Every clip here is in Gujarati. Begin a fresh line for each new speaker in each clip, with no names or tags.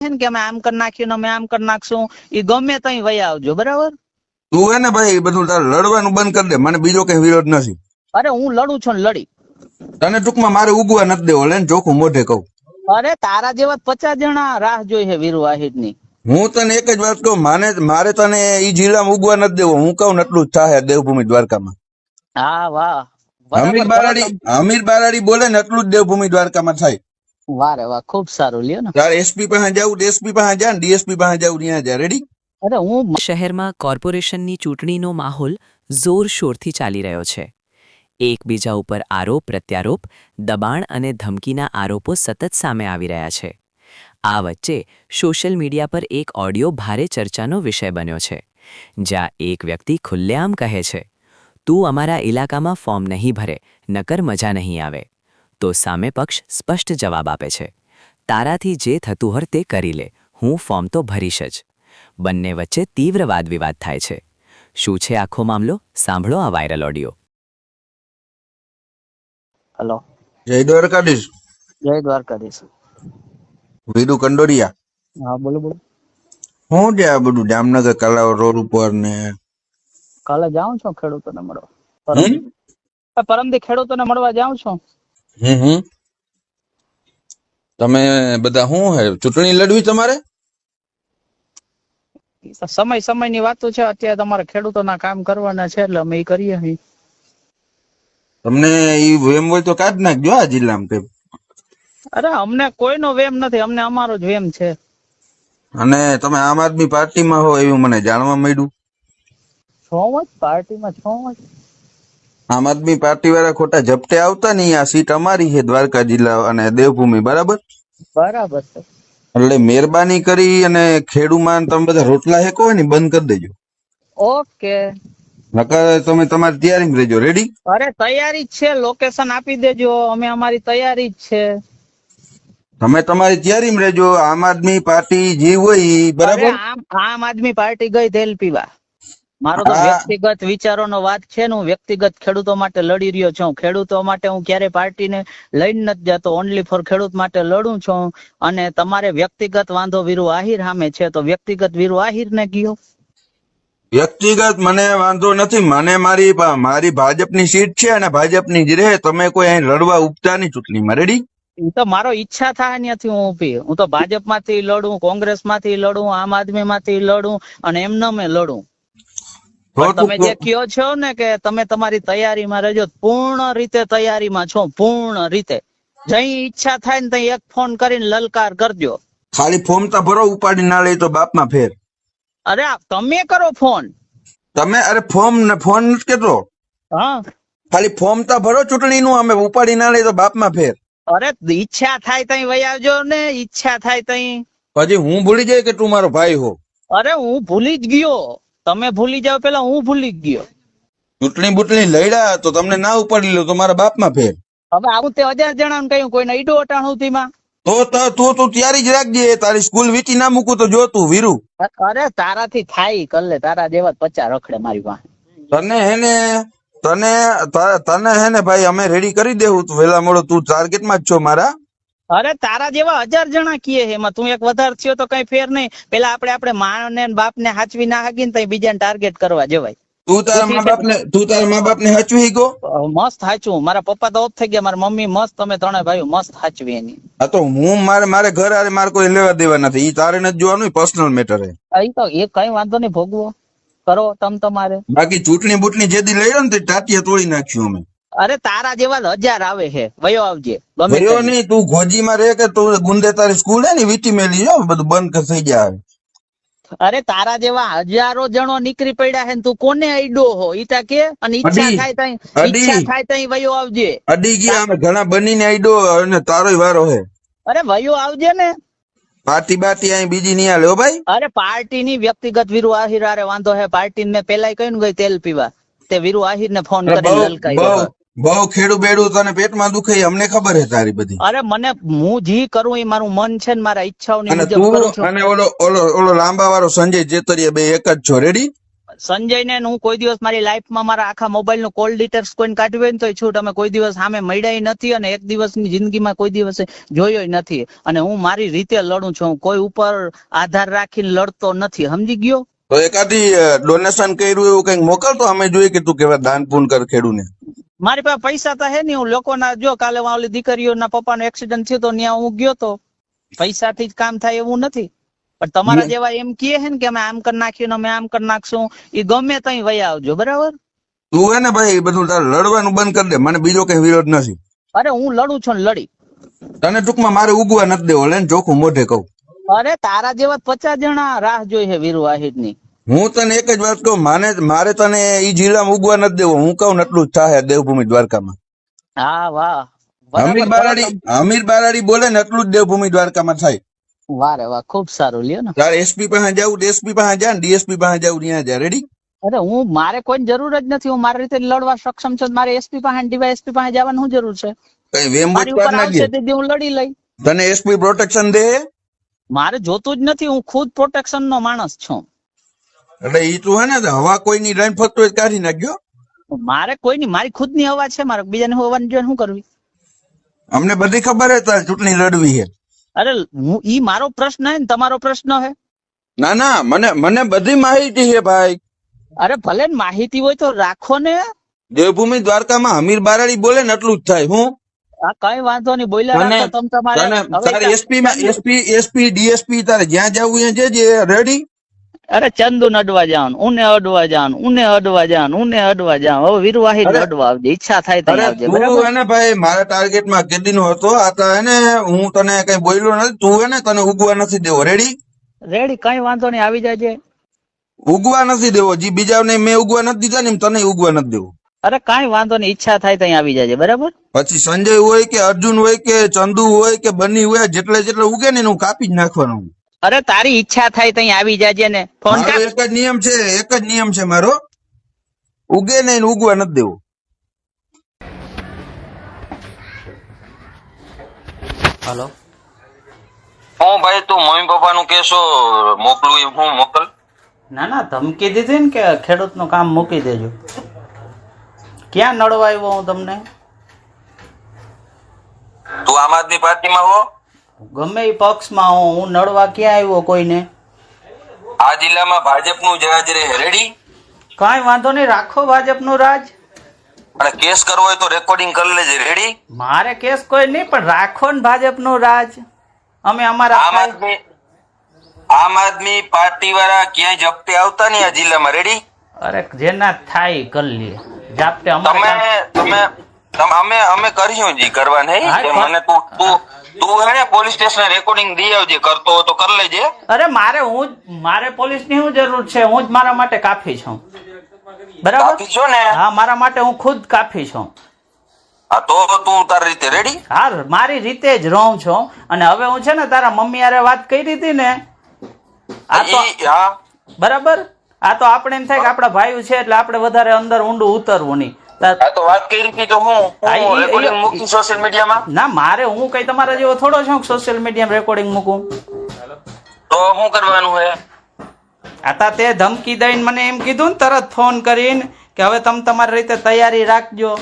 છે ને કે અમે આમ કરી નાખ્યું ને અમે આમ કરી નાખશું, એ ગમે ત્યાં વયા આવજો, બરાબર?
તું હે ને ભાઈ બધું તારે લડવાનું બંધ કરી દે, મને બીજો કઈ વિરોધ નથી.
અરે હું લડું છું ને લડી.
તને ટૂંકમાં મારે ઉગવા નથી દેવો, લઈને ચોખ્ખું મોઢે કહું.
અરે તારા જેવા 50 જણા રાહ જોઈ છે વીરુ વાહિદ ની.
હું તને એક જ વાત કહું, મારે તને ઈ જિલ્લામાં ઉગવા નથી દેવો. હું કહું ને એટલું જ થાય દેવભૂમિ દ્વારકામાં.
હા વાહ,
અમીર બારાડી બોલે ને એટલું જ દેવભૂમિ દ્વારકામાં થાય.
વારે વાહ, ખૂબ સારું લ્યો ને.
તારે એસપી પાસે જવું, એસપી પાસે જા, ને ડીએસપી પાસે જવું, ત્યાં જા. રેડી?
અરે હું
શહેરમાં કોર્પોરેશનની ચૂંટણીનો માહોલ જોરશોરથી ચાલી રહ્યો છે. એકબીજા ઉપર આરોપ પ્રત્યારોપ, દબાણ અને ધમકીના આરોપો સતત સામે આવી રહ્યા છે. આ વચ્ચે સોશિયલ મીડિયા પર એક ઓડિયો ભારે ચર્ચાનો વિષય બન્યો છે, જ્યાં એક વ્યક્તિ ખુલ્લેઆમ કહે છે, તું અમારા ઇલાકામાં ફોર્મ નહીં ભરે, નકર મજા નહીં આવે. તો સામે પક્ષ સ્પષ્ટ જવાબ આપે છે, તારાથી જે થતું હોય તે કરી લે, હું ફોર્મ તો ભરીશ જ. બંને વચ્ચે તીવ્ર વાદવિવાદ થાય છે. શું છે આખો મામલો? સાંભળો આ વાયરલ ઓડિયો.
હેલો,
જય દ્વારકાધીશ.
જય દ્વારકાધીશ.
વીરુ કંડોરિયા.
હા બોલો બોલો.
શું છે આ બધું જામનગર કલાવ રોડ ઉપર ને?
કાલે જાઉં છું ખેડૂતોને મળવા. પરમદી ખેડૂતોને મળવા જાઉં છું.
તમે બધા શું હે ચૂંટણી લડવી તમારે?
સમયની વાતો છે. અત્યારે તમારે ખેડૂતોના કામ કરવાના છે એટલે અમે એ કરીએ છીએ.
તમને ઈ વેમ હોય તો કાઢ નાખજો આ જિલ્લામાં કઈ.
અરે અમને કોઈનો વેમ નથી, અમને અમારો જ વેમ છે.
અને તમે આમ આદમી પાર્ટીમાં હો એવું મને જાણવા મળ્યું.
છો જ પાર્ટીમાં છો જ.
આમ આદમી પાર્ટી વાળા ખોટા ઝપટે આવતા નહીં. આ સીટ અમારી છે દ્વારકા જિલ્લા અને દેવભૂમિ, બરાબર?
બરાબર છે.
એટલે મહેરબાની કરી અને ખેડૂમાં તમે બધા રોટલા હેકો ને બંધ કરી દેજો.
ઓકે.
નકર તમે તમારી તૈયારીમાં રહેજો. રેડી?
અરે તૈયારી જ છે, લોકેશન આપી દેજો, અમે અમારી તૈયારી જ છે.
તમે તમારી તૈયારીમાં રહેજો. આમ આદમી પાર્ટી જે હોય ઈ, બરાબર?
આમ આદમી પાર્ટી ગઈ તેલ પીવા. મારો તો વ્યક્તિગત વિચારોનો વાત છે ને, હું વ્યક્તિગત ખેડૂતો માટે લડી રહ્યો છું. ખેડૂતો માટે હું ક્યારેય પાર્ટીને લઈને નથી જતો, ઓનલી ફોર ખેડૂત માટે લડું છું. અને તમારે વ્યક્તિગત વાંધો વીરુ આહિર સામે છે તો વ્યક્તિગત વીરુ આહિર ને ગયો.
વ્યક્તિગત મને વાંધો નથી. મને મારી ભાજપની સીટ છે અને ભાજપની જ રહે. તમે કોઈ અહીં લડવા ઉપતા નહીં ચૂંટણીમાં. રેડી?
એ તો મારો ઈચ્છા થાય ત્યાંથી હું ઉભી. હું તો ભાજપ માંથી લડું, કોંગ્રેસ માંથી લડું, આમ આદમી માંથી લડું અને એમને મેં લડું. તમે જે કયો છો ને કે તમે તમારી તૈયારીમાં રહેજો, પૂર્ણ રીતે તૈયારીમાં છો, પૂર્ણ રીતે. જઈ ઈચ્છા થાય ને ત્યાં એક ફોન કરીને લલકાર કરજો.
ખાલી ફોર્મ તો ભરો, ઉપાડી ના લઈ તો બાપમાં ફેર.
અરે તમે કરો ફોન.
તમે અરે ફોર્મ ને ફોન નથી કેતો.
હા,
ખાલી ફોર્મ તો ભરો ચૂંટણી નું, અમે ઉપાડી ના લઈ તો બાપમાં ફેર.
અરે ઈચ્છા થાય તઈ વહી આવજો ને, ઈચ્છા થાય તઈ.
પછી હું ભૂલી જાય કે તું મારો ભાઈ હો.
અરે હું ભૂલી જ ગયો. તમે ભૂલી જાવ પેલા હું ભૂલી જ ગયો.
ચૂંટણી બુટણી લડ્યા તો તમને ના ઉપાડી લો તો મારા બાપમાં ફેર.
હવે આવું તે 1000 જણાને કહ્યું, કોઈને ઈડો અટાણું માં.
તો તું તૈયારી જ રાખજે. તારી સ્કૂલ વીટી ના મૂકું તો જો તું વીરુ.
અરે તારાથી થાય કર લે, તારા જેવા 50 રખડે મારી પાસે.
તને હેને ભાઈ અમે રેડી કરી દેવું. તું વેલા મોડો તું ટાર્ગેટમાં જ છો મારા.
અરે તારા જેવા 1000 જણા કીએ એમાં તું એક વધારે થયો તો કઈ ફેર નહીં. પેલા આપણે માને બાપ ને હાચવી ના હાગી ને બીજાને ટાર્ગેટ કરવા જવાય.
તું તારા મા બાપ ને હાચવી ગયો?
મસ્ત હાચવું. મારા પપ્પા તો ઓફ થઈ ગયા, મારા મમ્મી મસ્ત, તમે ત્રણે ભાઈઓ મસ્ત હાચવી એની.
હા તો હું મારે ઘર આરે મારે કોઈ લેવા દેવા નથી. ઈ તારે નથી જોવાનું, પર્સનલ મેટર હે.
તો એ કઈ વાંધો નહીં, ભોગવો કરો તમારે.
બાકી ચૂંટણી બુટણી જેદી લઈ ને ટાટિયા તોડી નાખ્યું અમે.
અરે તારા જેવા 1000 આવે છે, વયો આવજે.
વયો નહીં, તું ઘોજીમાં રહે કે તું ગુંદે તારી સ્કૂલ હે ને વીટી મેલી જો બધું બંધ થઈ જાય.
અરે તારા જેવા હજારો જણો નીકળી પડ્યા છે, તું કોને અડ્યો હો ઈતા કે? અને ઈચ્છા થાય તઈ વયો આવજે.
અડી ગયા અમે ઘણા બનીને અડ્યો અને તારો વારો હે.
અરે વયો આવજે ને.
પાર્ટી બાટી અહીં બીજી નહીં આલે હો ભાઈ.
અરે પાર્ટી ની વ્યક્તિગત વીરુ આહિર હારે વાંધો હે. પાર્ટી ને પેલા કહ્યું ગઈ તેલ પીવા, તે વીરુ આહિર ને ફોન કરી લલકાઈ.
બહુ ખેડું બેડું તને પેટમાં દુખે અમને ખબર હે તારી બધી.
અરે મને હું જી કરું એ મારું મન છે ને મારા ઈચ્છાઓની મુજબ કરું છું.
અને ઓલો લાંબા વાળો સંજય ચેતરિયા બે એક જ છો. રેડી?
સંજયને હું કોઈ દિવસ મારી લાઈફમાં મારા આખા મોબાઈલ નું કોલ ડિટેલ્સ કોઈને કાઢ્યું હોય ને તો છૂટ અમે કોઈ દિવસ સામે મળ્યા નથી અને એક દિવસની જિંદગીમાં કોઈ દિવસે જોયો નથી. અને હું મારી રીતે લડું છું, કોઈ ઉપર આધાર રાખીને લડતો નથી, સમજી ગયો?
તો એકાદી ડોનેશન કર્યું એવું કઈક મોકલતો, અમે જોઈએ કે તું કેવા દાન પૂન કર ખેડૂને.
મારી પાસે પૈસા તો હે નહીં, હું લોકોના જો કાલે ઓલી દીકરીઓના પપ્પાનો એક્સિડન્ટ થયો તો ત્યાં હું ગયો તો, પૈસાથી જ કામ થાય એવું નથી. પણ તમારા જેવા એમ કહે છે ને કે અમે આમ કરી નાખ્યું અમે આમ કરી નાખશું, એ ગમે ત્યાં વયા આવજો, બરાબર?
તું હે ને ભાઈ બધું તારે લડવાનું બંધ કરી દે, મને બીજો કઈ વિરોધ નથી.
અરે હું લડું છું ને લડી.
તને ટૂંકમાં મારે ઉગવા નથી દેવો, લઈને ચોખ્ખું મોઢે કહું.
અરે તારા જેવા 50 જણા રાહ જોઈ છે વીરુ વાહિદ ની.
હું તને એક જ વાત કહું, મારે તને ઈ જિલ્લામાં ઉગવા નથી દેવો. હું કહું ને એટલું જ થાય દેવભૂમિ દ્વારકામાં.
હા વાહ,
અમીર બારાડી બોલે ને એટલું જ દેવભૂમિ દ્વારકામાં થાય.
વારે વાહ, ખુબ સારું લ્યો ને.
તારે એસપી પાસે જવું, એસપી પાસે જા ને ડીએસપી પાસે જવું, ત્યાં જા. રેડી?
અરે હું મારે કોઈ જરૂર જ નથી, હું મારી રીતે લડવા સક્ષમ છું. મારે એસપી પાસે ડીવાયએસપી પાસે જવાની શું જરૂર છે?
કઈ વેમ
મારી ઉપર આવશે તેથી હું લડી લઈ.
તને એસપી પ્રોટેક્શન દે?
મારે જોતું જ નથી, હું ખુદ પ્રોટેક્શન નો માણસ છું.
એટલે ઈ તું હે ને હવા કોઈની લઈને ફરતો હોય કાઢી નાખજો.
મારે કોઈની, મારી ખુદની હવા છે, મારે બીજાને હોવાની જોઈને શું કરવી?
અમને બધી ખબર હે તારે ચૂંટણી લડવી છે.
અરે ઈ મારો પ્રશ્ન હે ને તમારો પ્રશ્ન હે?
ના ના, મને બધી માહિતી છે ભાઈ.
અરે ભલે ને માહિતી હોય તો રાખો ને.
દેવભૂમિ દ્વારકામાં અમીર બારાડી બોલે ને એટલું જ થાય. હું
કઈ વાંધો નહીં, બોલ્યા રાખો
તમારે એસપી ડીએસપી તારે જ્યાં જવું ત્યાં જજે. રેડી?
અરે ચંદુ ને અડવા જાન, ઉને અડવા જાન, ઉને અડવા જાન, ઉને અડવા જાન. હવે વીરુ વાહિદ અડવા આવજે, ઈચ્છા થાય તો આવજે, બરાબર?
હે ને ભાઈ, મારા ટાર્ગેટમાં કેદી નો હતો આ તો હે ને, હું તને કઈ બોલ્યો નથી. તું હે ને તને ઉગવા નથી દેવો. રેડી?
રેડી, કઈ વાંધો નહીં, આવી જાજે.
ઉગવા નથી દેવો, જી બીજાને મેં ઉગવા નથી દીધા ને તને ઉગવા નથી દેવો.
અરે કઈ વાંધો નહીં, ઈચ્છા થાય ત્યાં આવી જાજે, બરાબર?
પછી સંજય હોય કે અર્જુન હોય કે ચંદુ હોય કે બની હોય, જેટલે ઉગે ને હું કાપી જ નાખવાનું.
અરે તારી ઈચ્છા થાય ત્યાં આવી જાજે ને. ફોન કર.
એક જ નિયમ છે મારો, ઉગે નહીં ઉગવા નથી દેવું.
હલો,
હું ભાઈ તું મમ્મી પપ્પા નું કેશો મોકલું એમ હું મોકલ?
ના ના, ધમકી દીધી ને કે ખેડૂત નું કામ મૂકી દેજો. ક્યાં નડવા આવ્યો હું તમને?
તું આમ આદમી પાર્ટીમાં હો?
ગમે એ પક્ષમાં હું નડવા ક્યાં આવ્યો કોઈને?
આ જિલ્લામાં ભાજપનું જ રાજ રહે. રેડી?
કઈ વાંધો નહીં, રાખો ભાજપનું રાજ.
અને કેસ કરવો હોય તો રેકોર્ડિંગ કરી લેજે. રેડી?
મારે કેસ કોઈ નહીં, પણ રાખો ને ભાજપનું રાજ. અમે અમારા
આમ આદમી પાર્ટી વાળા ક્યાંય જપ્તે આવતા નહીં આ જિલ્લામાં. રેડી?
અરે જેના થાય કરી લે. જાપતે
અમે કરીશું જી કરવા નહીં. મને તું હે ને પોલીસ સ્ટેશન રેકોર્ડિંગ દઈ આવજે, કરતો હોય તો કરી લેજે.
અરે મારે પોલીસ ની શું જરૂર છે? હું જ મારા માટે કાફી છું, બરાબર?
છો ને?
હા, મારા માટે હું ખુદ કાફી છું.
હા, તો તું તારી રીતે. રેડી?
હા, મારી રીતે જ રહું છું. અને હવે હું છે ને તારા મમ્મી હારે વાત કરી હતી ને, આ તો બરાબર, આ તો આપણે એમ થાય કે આપડા ભાઈઓ છે એટલે આપણે વધારે અંદર ઊંડું ઉતરવું નહીં.
તો વાત કરી હતી તો હું મૂકી સોશિયલ મીડિયામાં?
ના, મારે હું કઈ તમારા જેવો થોડો છું સોશિયલ મીડિયામાં રેકોર્ડિંગ મૂકું.
તો શું કરવાનું હે?
આતા તે ધમકી દઈને મને એમ કીધું ને તરત ફોન કરીને કે હવે તમે તમારી રીતે તૈયારી રાખજો.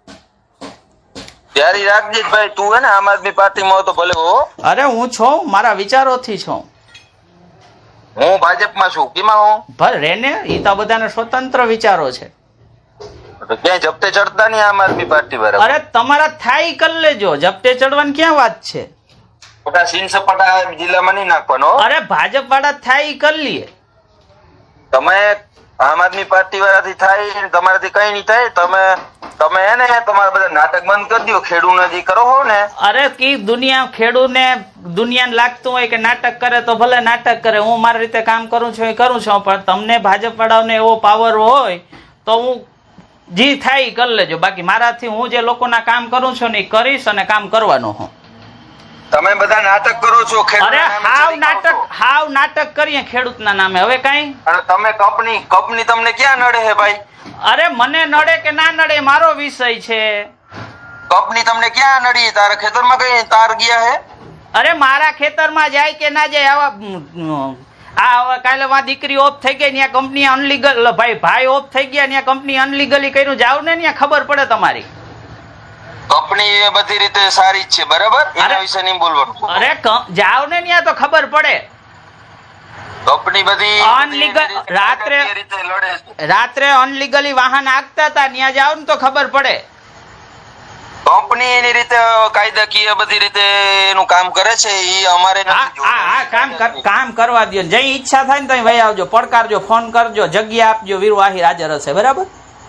તૈયારી રાખજે ભાઈ. તું હે ને આમ આદમી પાર્ટીમાં તો ભલે હો.
અરે હું છું, મારા વિચારોથી છું.
હું ભાજપમાં છું. કેમાં હું?
ભલે રેને, એ તો બધાને સ્વતંત્ર વિચારો છે.
ક્યાંય જપ્તે ચડતા નહીં આમ આદમી પાર્ટી વાળા.
અરે તમારા થાય કરી લેજો, જપ્તે ચડવાની ક્યાં વાત છે?
ખોટા સીન સપાટા જિલ્લામાં નહીં નાખવાનો.
અરે ભાજપ વાળા થાય કરી લઈએ.
તમે આમ આદમી પાર્ટી વાળાથી થાય, તમારાથી કઈ નહીં થાય. તમે હે ને તમારા બધા નાટક બંધ કરી દો. ખેડૂત જે કરો હો ને,
અરે કી દુનિયા ખેડૂને દુનિયાને લાગતું હોય કે નાટક કરે તો ભલે નાટક કરે. હું મારી રીતે કામ કરું છું એ કરું છું, પણ તમને ભાજપ વાળાને એવો પાવર હોય તો હું જી થાય કરી લેજો. બાકી મારાથી હું જે લોકોના કામ કરું છું ને એ કરીશ અને કામ કરવાનો હું.
તમે બધા નાટક કરો છો.
અરે હાવ નાટક કરીએ ખેડૂતના નામે. હવે કઈ?
અને તમે કંપની તમને ક્યાં નડે હે ભાઈ?
અરે મને નડે કે ના નડે મારો વિષય છે.
કંપની તમને ક્યાં નડી? તારા ખેતરમાં કઈ તાર ગયા હે?
અરે મારા ખેતરમાં જાય કે ના જાય, આ હવે કાલે માં દીકરી ઓફ થઈ ગઈ ત્યાં કંપની અનલીગલ ભાઈ ઓફ થઈ ગયા ત્યાં કંપની અનલીગલી કર્યું જાવ ને ત્યાં ખબર પડે તમારી
કંપની એ બધી રીતે સારી જ છે બરાબર એના વિશે નહીં બોલવાનું
અરે જાવ ને ત્યાં તો ખબર પડે
કંપની બધી
અનલીગલ રાત્રે અનલીગલી વાહન આંકતા હતા ત્યાં જાવ ને તો ખબર પડે
કંપની એની રીતે કાયદાકીય બધી રીતે એનું કામ કરે છે એ અમારે
કામ કરવા દો જે ઈચ્છા થાય ને તો ભાઈ આવજો પડકારજો ફોન કરજો જગ્યા આપજો વીર વાહિર હાજર હશે બરાબર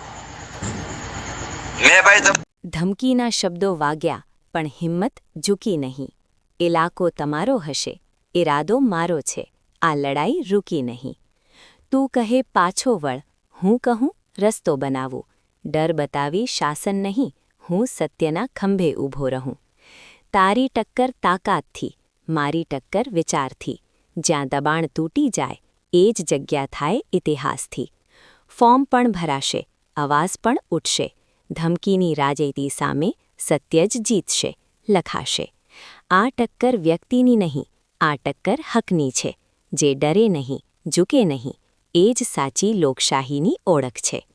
મેં ભાઈ
ધમકીના શબ્દો વાગ્યા પણ હિંમત ઝૂકી નહીં. ઇલાકો તમારો હશે, ઇરાદો મારો છે, આ લડાઈ રૂકી નહીં. તું કહે પાછો વળ, હું કહું રસ્તો બનાવું. ડર બતાવી શાસન નહીં, હું સત્યના ખંભે ઊભો રહું. તારી ટક્કર તાકાતથી, મારી ટક્કર વિચારથી. જ્યાં દબાણ તૂટી જાય એ જ જગ્યા થાય ઇતિહાસથી. ફોર્મ પણ ભરાશે, અવાજ પણ ઉઠશે. ધમકીની રાજેતી સામે સત્ય જ જીતશે, લખાશે. આ ટક્કર વ્યક્તિની નહીં, આ ટક્કર હકની છે. જે ડરે નહીં, ઝૂકે નહીં, એ જ સાચી લોકશાહીની ઓળખ છે.